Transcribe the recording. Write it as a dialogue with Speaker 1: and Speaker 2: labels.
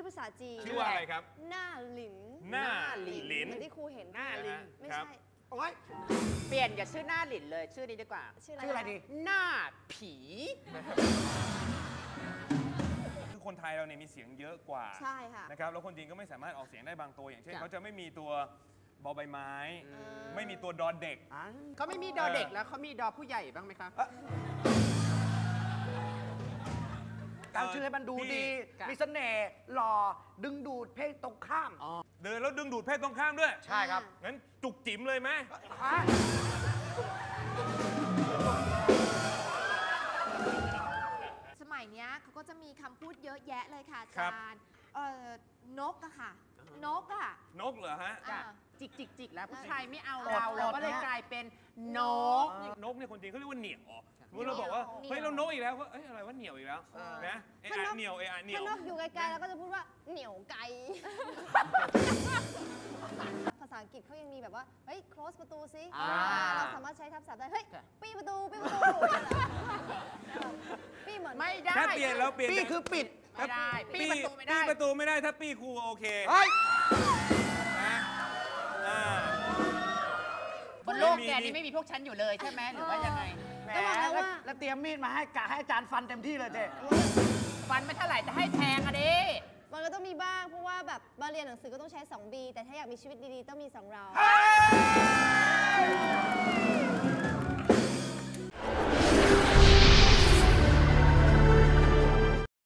Speaker 1: ภาษาจีน
Speaker 2: ชื่อว่าอะไรครับ
Speaker 1: หน้าหลิน
Speaker 2: หน้าหลิน
Speaker 1: เหมือนที่ครูเห็น
Speaker 3: หน้าลิง
Speaker 1: ไม่ใช่
Speaker 3: โอ๊ยเปลี่ยนอย่าชื่อหน้าหลินเลยชื่อนี้ดีกว่า
Speaker 1: ชื่ออะไรดี
Speaker 3: หน้าผี
Speaker 2: คือคนไทยเราเนี่ยมีเสียงเยอะกว่า
Speaker 1: ใช่ค่ะ
Speaker 2: นะครับแล้วคนจีนก็ไม่สามารถออกเสียงได้บางตัวอย่างเช่นเขาจะไม่มีตัวบอใบไม้ไม่มีตัวดอเด็ก
Speaker 3: เขาไม่มีดอเด็กแล้วเขามีดอผู้ใหญ่บ้างไหมครับ
Speaker 4: ตั้งชื่อให้มันดูดีมีเสน่ห์หล่อดึงดูดเพศตรงข้าม
Speaker 2: เดินแล้วดึงดูดเพศตรงข้ามด้วย
Speaker 4: ใช่ครับ
Speaker 2: งั้นจุกจิ๋มเลยไหม
Speaker 5: สมัยนี้เขาก็จะมีคำพูดเยอะแยะเลยค่ะอาจารย์นกอะค่ะนกอะ
Speaker 2: นกเหรอฮะ
Speaker 3: จิกแล้วผู้ชายไม่เอาเราก็เลยกลายเป็นนก
Speaker 2: เนี่ยคนจีนเขาเรียกว่าเหนียวเราบอกว่าเฮ้ยเรานกอีกแล้วว่าอะไรว่าเหนียวอีกแล้วนะเหนียวเหนียว
Speaker 1: ถ้านกอยู่ไกลๆเราก็จะพูดว่าเหนียวไกลภาษาอังกฤษเขายังมีแบบว่าเฮ้ย close ประตูซิเราสามารถใช้ทับศัพท์ได้เฮ้ยปี้ประตูปี้เหมือน
Speaker 3: ไม่ได้
Speaker 2: ถ้าเปลี่ยนแล้วเปลี่ยน
Speaker 4: ปี้คือปิด
Speaker 3: ไม่ได้ปี้ประตูไม่ได้
Speaker 2: ปี้ประตูไม่ได้ถ้าปี้ครูโอเค
Speaker 3: บนโลกแกนี่ไม่มีพวกฉันอยู่เลยใช่ไหมหรือว่ายังไง
Speaker 4: ก็บอกแล้วเตรียมมีดมาให้อาจารย์ฟันเต็มที่เลยเจ๊
Speaker 3: ฟันไม่เท่าไหร่จะให้แทงอะดิ
Speaker 1: มันก็ต้องมีบ้างเพราะว่าแบบมาเรียนหนังสือก็ต้องใช้2 B แต่ถ้าอยากมีชีวิตดีๆต้องมี2 เรา